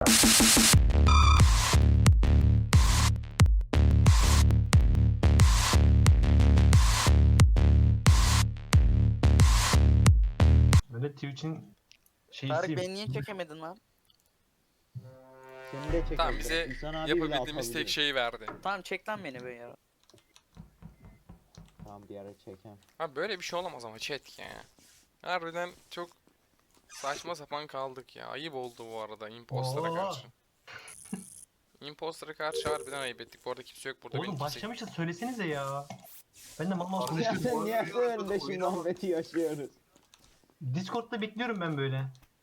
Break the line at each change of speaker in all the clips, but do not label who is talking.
Böyle Twitch'in
Tarık
şeysiyim.
beni niye çekemedin lan?
Seni de çekeceğim.
Tamam, bize
İhsan abi bile
yapabildiğimiz tek
atabiliyor.
şeyi verdi.
Tamam çek lan beni be ya.
Tamam bir ara çeken.
Ha böyle bir şey olamaz ama chat ya. Harbiden çok saçma sapan kaldık ya. Ayıp oldu bu arada impostora
Oo.
karşı. Impostora karşı harbiden ayıp ettik. Bu arada kimse yok burada. beni
Oğlum
kimse...
başlamışız söylesenize ya. Ben de mal mal
Ya
konuşuyorum.
sen niye önünde şimdi muhabbeti yaşıyoruz?
Discord'da bekliyorum ben böyle.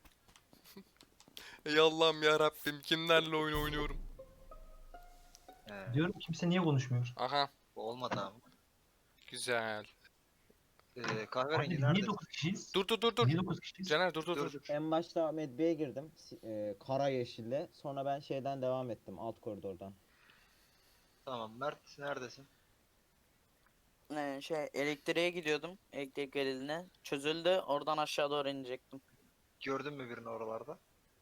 Ey Allah'ım ya Rabbim, kimlerle oyun oynuyorum.
Diyorum kimse niye konuşmuyor?
Aha,
Olmadı abi.
güzel.
Kahverengi
Abi
nerede?
niye 9 kişiyiz?
Dur.
Niye 9 kişiyiz?
Caner dur.
Dur.
En başta medbeye girdim. Kara yeşille. Sonra ben şeyden devam ettim. Alt koridordan.
Tamam, Mert neredesin?
Elektriğe gidiyordum. Elektrik veriline. Çözüldü. Oradan aşağı doğru inecektim.
Gördün mü birini oralarda?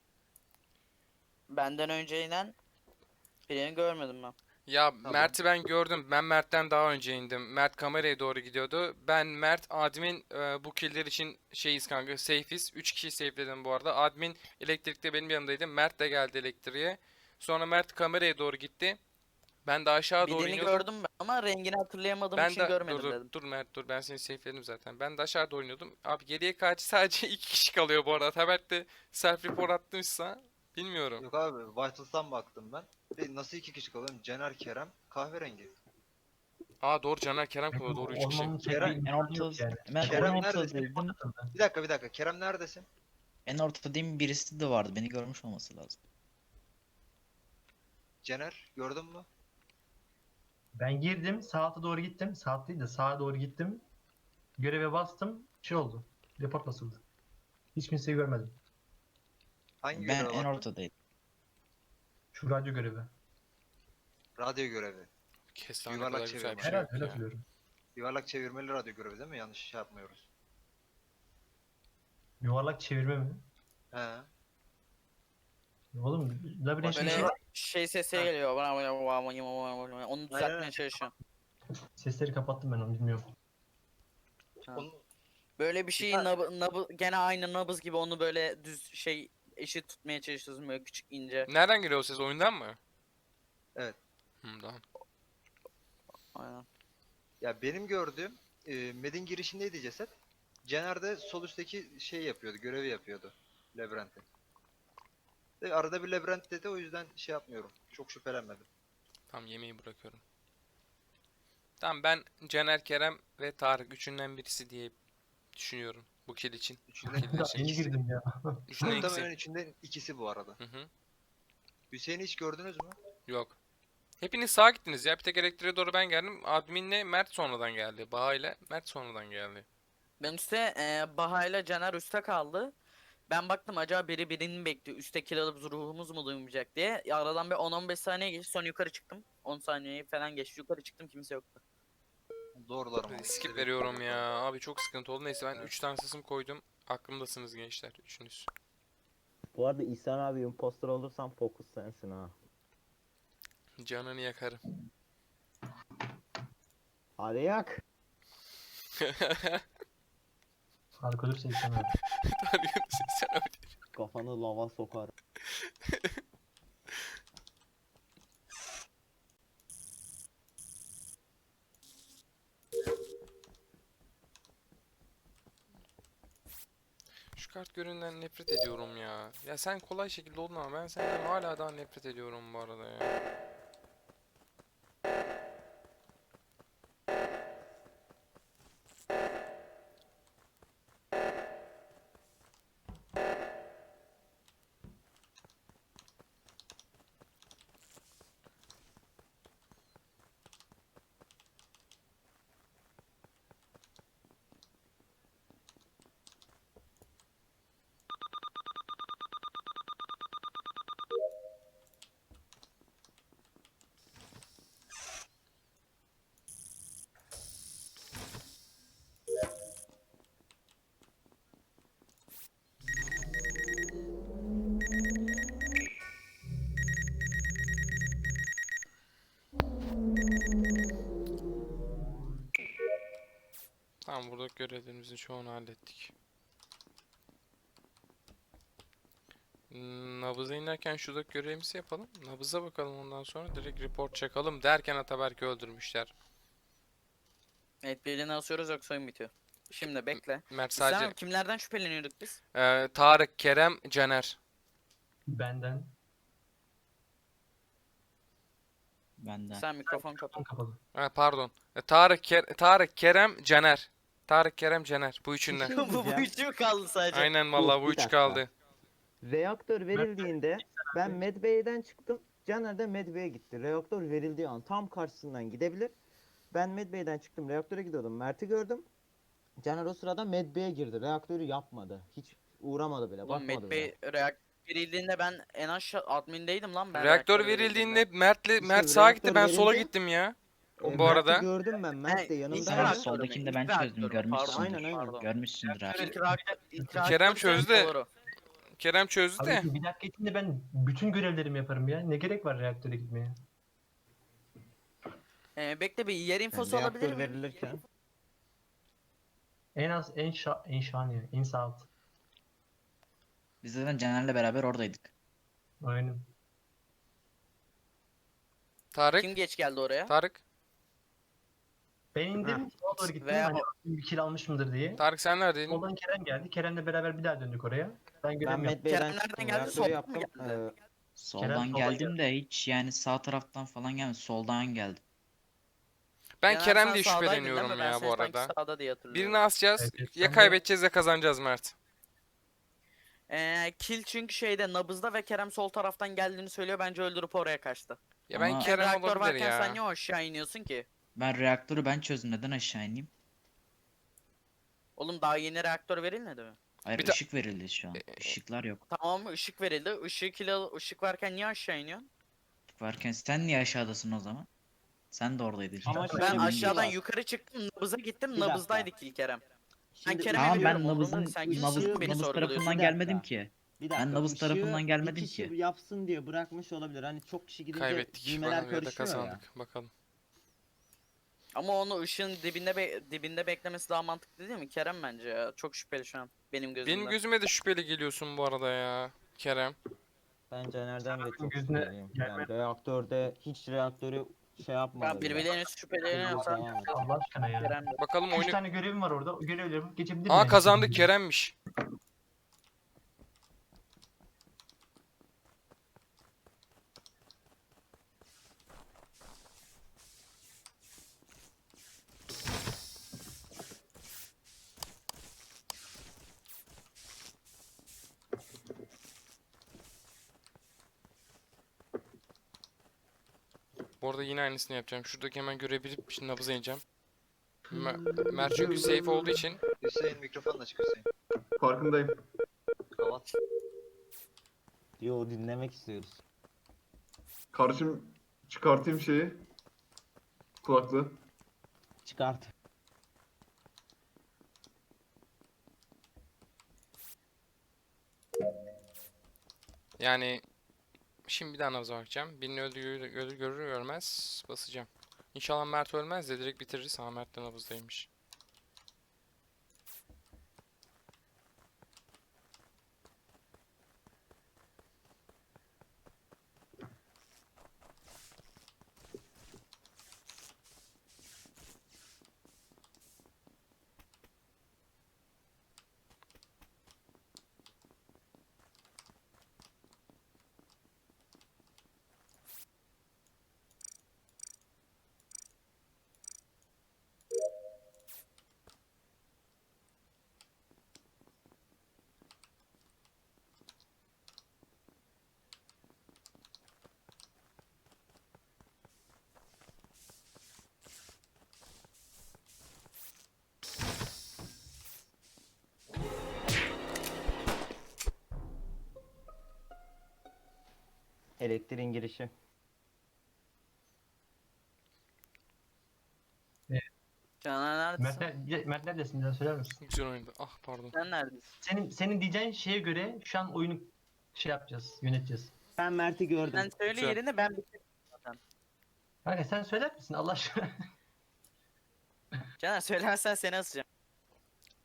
Benden önce inen birini görmedim ben.
Ya
Tamam.
Mert'i ben gördüm. Ben Mert'ten daha önce indim. Mert kameraya doğru gidiyordu. Ben, Mert, admin bu killer için şeyiz kanka. Safe'iz. 3 kişiyi safe'ledim bu arada. Admin elektrikte benim yanımdaydı. Mert de geldi elektriğe. Sonra Mert kameraya doğru gitti. Ben de aşağı doğru
Birini
iniyordum.
gördüm ben ama rengini hatırlayamadığım
Ben
için
de
görmedim
dur
dedim.
dur Mert dur, ben seni safe'ledim zaten. Ben de aşağı doğru iniyordum. Abi geriye kaç, sadece 2 kişi kalıyor bu arada. Taberk de self report attıysa bilmiyorum.
Yok abi, Vitals'tan baktım ben. Nasıl iki kişi kalıyor? Cener, Kerem, kahverengi.
Aa doğru, Caner Kerem kalıyor, doğru 3 kişi.
Olmamın tek
Kerem-
bir
En
imkanı yok
orta,
yani.
ben
Kerem
en
neredesin?
ortadaydım.
Bir dakika. Kerem neredesin?
En ortadayım, birisi de vardı. Beni görmüş olması lazım.
Cener, gördün mü?
Ben girdim, saate doğru gittim. Saat değil de sağa doğru gittim. Göreve bastım. Şey oldu. Report basıldı. Hiç kimseyi görmedim.
Hangi
Ben
görev
en
var?
ortadaydım.
Şu radyo görevi.
Radyo görevi.
Kestane
Yuvarlak
kadar güzel
çevirme.
bir şey
Herhalde
yok
öyle
ya.
hatırlıyorum.
Yuvarlak çevirmeli radyo görevi değil mi? Yanlış şey yapmıyoruz.
Yuvarlak çevirme mi?
He.
Oğlum labirent
Başka
bir şey
Böyle
var.
şey sesi
Ha.
geliyor. Onu düzeltmeye çalışıyorum.
Sesleri kapattım ben onu bilmiyorum.
Ha.
Onu,
Böyle bir şeyi gene aynı nabız gibi onu böyle düz eşit tutmaya çalışıyorsun böyle küçük ince.
Nereden geliyor o ses, oyundan mı?
Evet.
Tamam.
Aynen.
ya benim gördüğüm Med'in girişindeydi ceset. Cener de sol üstteki şey yapıyordu, görevi yapıyordu. Labirentte. Arada bir labirent dedi, o yüzden şey yapmıyorum. Çok şüphelenmedim.
Tamam, yemeği bırakıyorum. Tamam, ben Caner, Kerem ve Tarık üçünden birisi diye düşünüyorum bu kill için. Bu
Üçünden
kill
Daha
için.
yeni girdim ya.
Üçünden
Muhtemelen
ikisi.
içinden ikisi bu arada.
Hı hı.
Hüseyin'i hiç gördünüz mü?
Yok. Hepiniz sağa gittiniz ya. Bir tek elektriğe doğru ben geldim. Adminle Mert sonradan geldi. Baha ile Mert sonradan geldi.
Ben üstte Baha ile Caner üstte kaldı. Ben baktım acaba biri birini bekliyor. Üstte kill alıp ruhumuz mu duymayacak diye. Aradan bir 10-15 saniye geçti. Sonra yukarı çıktım. 10 saniye falan geçti. Yukarı çıktım kimse yoktu.
Doğrularım.
Skip veriyorum ya. Abi çok sıkıntı oldu. Neyse ben 3 tane sısım koydum. Aklımdasınız gençler. Üçünüz.
Bu arada İhsan abi imposter olursan fokus sensin ha.
Canını yakarım.
Hadi yak.
Harika olursa istemem.
Tanıyorsun sen öyle.
Kafanı lava sokar.
Şu kart göründen nefret ediyorum ya. Ya sen kolay şekilde oldun ama ben senden hala daha nefret ediyorum bu arada ya. Tamam, burada görevlerimizin çoğunu hallettik. Nabıza inerken şuradaki görevimizi yapalım. Nabıza bakalım, ondan sonra direkt report çakalım derken Ataberk'i öldürmüşler.
Evet, birini asıyoruz yoksa oyun bitiyor. Şimdi bekle.
Mert
İslam
sadece
abi, kimlerden şüpheleniyorduk biz?
Tarık, Kerem, Caner.
Benden.
Benden.
Sen mikrofon kapat.
Tam kapalı.
Pardon. Tarık, Kerem, Caner. Tarık, Kerem, Caner. Bu üçünden.
şey
bu
diyeceğim.
üçü mü kaldı sadece?
Aynen vallahi bu
bir
üç
dakika.
kaldı.
Reaktör verildiğinde ben Medbay'den çıktım. Caner de Medbay'e gitti. Reaktör verildiği an tam karşısından gidebilir. Ben Medbay'den çıktım. Reaktöre gidiyordum. Mert'i gördüm. Caner o sırada Medbay'e girdi. Reaktörü yapmadı. Hiç uğramadı bile.
Oğlum
Bakmadı
Met
bile.
Bey reaktör verildiğinde ben en aşağı admindeydim lan ben.
Reaktör
reaktör
verildiğinde
İşte
Mert sağa gitti,
reaktör
ben sola
verildi.
gittim ya. Bu
Mert'i
arada.
gördüm ben. Mert de
ilk
yanımdaydı.
Sen
reaktör
soldakini
mü?
de ben
İlk
çözdüm,
reaktör mü?
görmüşsündür.
Aynen, aynen.
Pardon.
Görmüşsündür abi.
İlk reaktör,
Kerem çözdü.
doğru.
Kerem çözdü de.
Abi bir dakika içinde ben bütün görevlerimi yaparım ya. Ne gerek var reaktöre gitmeye?
Bekle, bir yer
Yani
infosu alabilir
reaktör
miyim?
verilirken.
En az en şahane. En sağ alt.
Biz zaten Caner'le beraber oradaydık.
Aynen.
Tarık.
Kim geç geldi oraya?
Tarık.
Ben indim. Sola doğru gittim.
Veya-
Hani bir kill almışımdır diye.
Tarık sen neredeydin?
Soldan Kerem geldi. Kerem'le beraber bir daha döndük oraya. Ben
Ben
görev yaptım.
Medbay'den
Kerem nereden
çıktım.
geldi?
Reaktörü
Soldan mı
yaptım.
geldi?
Soldan
soldan
geldim de hiç yani sağ taraftan falan gelmedi. Soldan geldim.
Ben
Caner,
Kerem
sen
diye
sağdaydın değil
şüpheleniyorum
mi? Ben
ya
seni
bu
sanki
arada.
sağda diye hatırlıyorum.
Birini asacağız.
Evet, evet.
Ya
Ben de-
kaybedeceğiz ya kazanacağız Mert.
Kill çünkü şeyde nabızda ve Kerem sol taraftan geldiğini söylüyor. Bence öldürüp oraya kaçtı.
Ya ben
Ama-
Kerem
Reaktör
olabilir
varken sen
ya.
niye aşağı iniyorsun ki?
Ben reaktörü ben çözdüm. Neden aşağı ineyim?
Oğlum daha yeni reaktör verilmedi mi?
Hayır,
Bir de-
ışık verildi şu an. Işıklar yok.
Tamam, ışık verildi. Işık varken niye aşağı iniyorsun?
Işık varken sen niye aşağıdasın o zaman? Sen de oradaydın.
Ama
çünkü.
şöyle
Ben
bir şey
aşağıdan
var.
yukarı çıktım, nabıza gittim.
Bir dakika.
Nabızdaydık ilk Kerem.
Şimdi
Kerem'e
Tamam,
veriyorum,
ben
umurumda
nabızın
değil. Sen kimsin
nabız,
beni
nabız
sorguluyorsun?
tarafından
Bir
gelmedim
dakika.
ki.
Bir
Ben
dakika,
nabız
ışığı
tarafından gelmedim
bir kişi
ki.
yapsın diye bırakmış olabilir. Hani çok kişi gidince
Kaybettik.
düğmeler
Bakalım ya da
karışıyor ya.
kazandık. Bakalım.
Ama onu ışığın dibinde beklemesi daha mantıklı değil mi? Kerem bence ya. Çok şüpheli şu an benim gözümde.
Benim gözüme de şüpheli geliyorsun bu arada ya. Kerem.
Ben Caner'den de
Sen
çok
gözüne
şüpheliyim. Yani
gelme.
reaktörde hiç reaktörü şey yapmadı
Ben
bile.
birbirlerine şüpheleniyorsan
Devam et.
Allah aşkına ya.
Kerem de.
Bakalım
3
oyunu...
tane görevim var orada. O görevlerimi geçebilir
Aa
miyim?
kazandık, Kerem'miş. Bu arada yine aynısını yapacağım. Şuradaki hemen görebilip şimdi nabıza ineceğim. Mert çünkü safe olduğu için
Hüseyin mikrofonla açık Hüseyin.
Farkındayım.
Kapat.
Yo, dinlemek istiyoruz.
Kardeşim çıkartayım şeyi. Kulaklığı.
Çıkart.
yani şimdi bir daha nabıza bakacağım. Birini görür görmez basacağım. İnşallah Mert ölmez de direkt bitiririz. Ha, Mert de nabızdaymış.
Elektriğin girişi.
Caner neredesin?
Mert neredesin? Bir daha söyler misin?
Güzel oyundu. Ah pardon.
Sen neredesin?
Senin diyeceğin şeye göre şu an oyunu şey yapacağız, yöneteceğiz.
Ben Mert'i gördüm.
Sen söyle
Güzel.
yerini, ben bitirdim zaten.
Kanka sen söyler misin Allah aşkına?
Caner söylemezsen seni asacağım.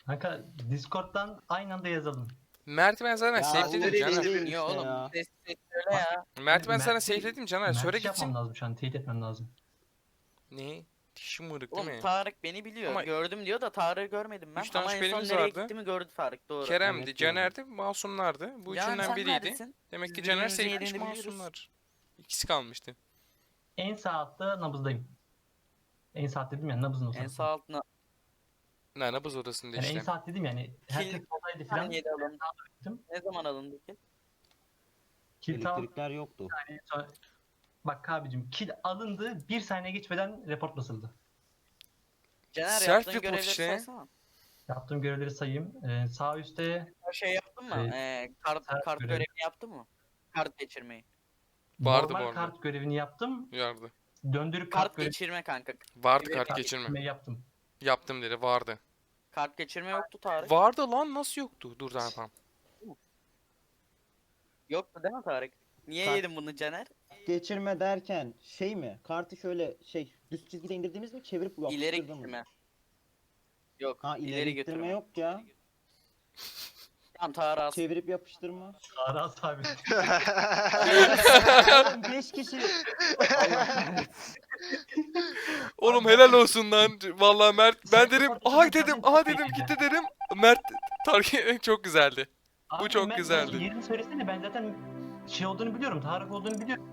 Kanka Discord'dan aynı anda yazalım.
Mert'i ben zaten
Ya
safe'ledim
oğlum,
Caner.
işte
Niye oğlum?
ya.
Ses söyle ya.
Mert'i ben sana
Mert'i-
safe'ledim Caner.
Mert'i
Söyle
şey yapmam
gitsin.
lazım şu an. Teyit etmem lazım.
Ne? Dişim mırık değil
Oğlum
mi?
Tarık beni biliyor.
Ama-
Gördüm diyor da Tarık'ı görmedim ben.
Üç tane
Ama en son
şüphelimiz
nereye
vardı.
gittiğimi gördü Tarık, doğru.
Kerem'di,
Evet,
Caner'di, masumlardı. Bu
Can,
üçünden
sen
biriydi.
neredesin?
Demek ki
Biz
Caner
birbirimizin
safe'lemiş,
yerini biliyoruz.
masumlar. İkisi kalmıştı.
En sağ altta nabızdayım. En sağ alt dedim ya nabızın o
En
sırası.
sağ altına.
Ne nabız odasında
Yani en
işte.
sağ alt dedim yani. Herkes
Kill-
soldaydı falan.
Saniyede alındı.
gittim.
Ne zaman alındı ki?
Kill tam
Elektrikler yoktu.
sonra... Bak abicim kill alındı. Bir saniye geçmeden report basıldı.
Caner
Self
yaptığın
report
görevleri
işte.
saysana.
Yaptığım görevleri sayayım. Sağ üstte
Şey yaptın mı?
Şey,
Kart
görevi.
görevini yaptın mı? Kart geçirmeyi.
Vardı bu
normal
arada.
kart görevini yaptım.
Yardı.
Döndürüp
Kart
kart görevi
geçirme kanka.
Vardı
Evet,
kart geçirme.
yaptım.
Yaptım dedi, vardı.
Kart geçirme yoktu Tarık.
Vardı lan, nasıl yoktu? Dur daha yapalım.
Yoktu değil mi Tarık? Niye
Kart-
yedin bunu Caner?
Geçirme derken şey mi? Kartı şöyle düz çizgide indirdiğimiz mi çevirip
İleri
yapıştırdın mı?
getirme. Yok,
Ha
ileri
ileri
götürme.
gittirme yok ya.
Tamam Tarık as.
Çevirip yapıştırma.
Aras abi.
5 kişi.
Oğlum helal olsun lan. Vallahi Mert, ben dedim, aha dedim, aha dedim, gitti dedim. Mert, Tarık çok güzeldi.
Abi
çok
ben-
güzeldi.
Yerini söylesene ben zaten şey olduğunu biliyorum. Tarık olduğunu biliyorum.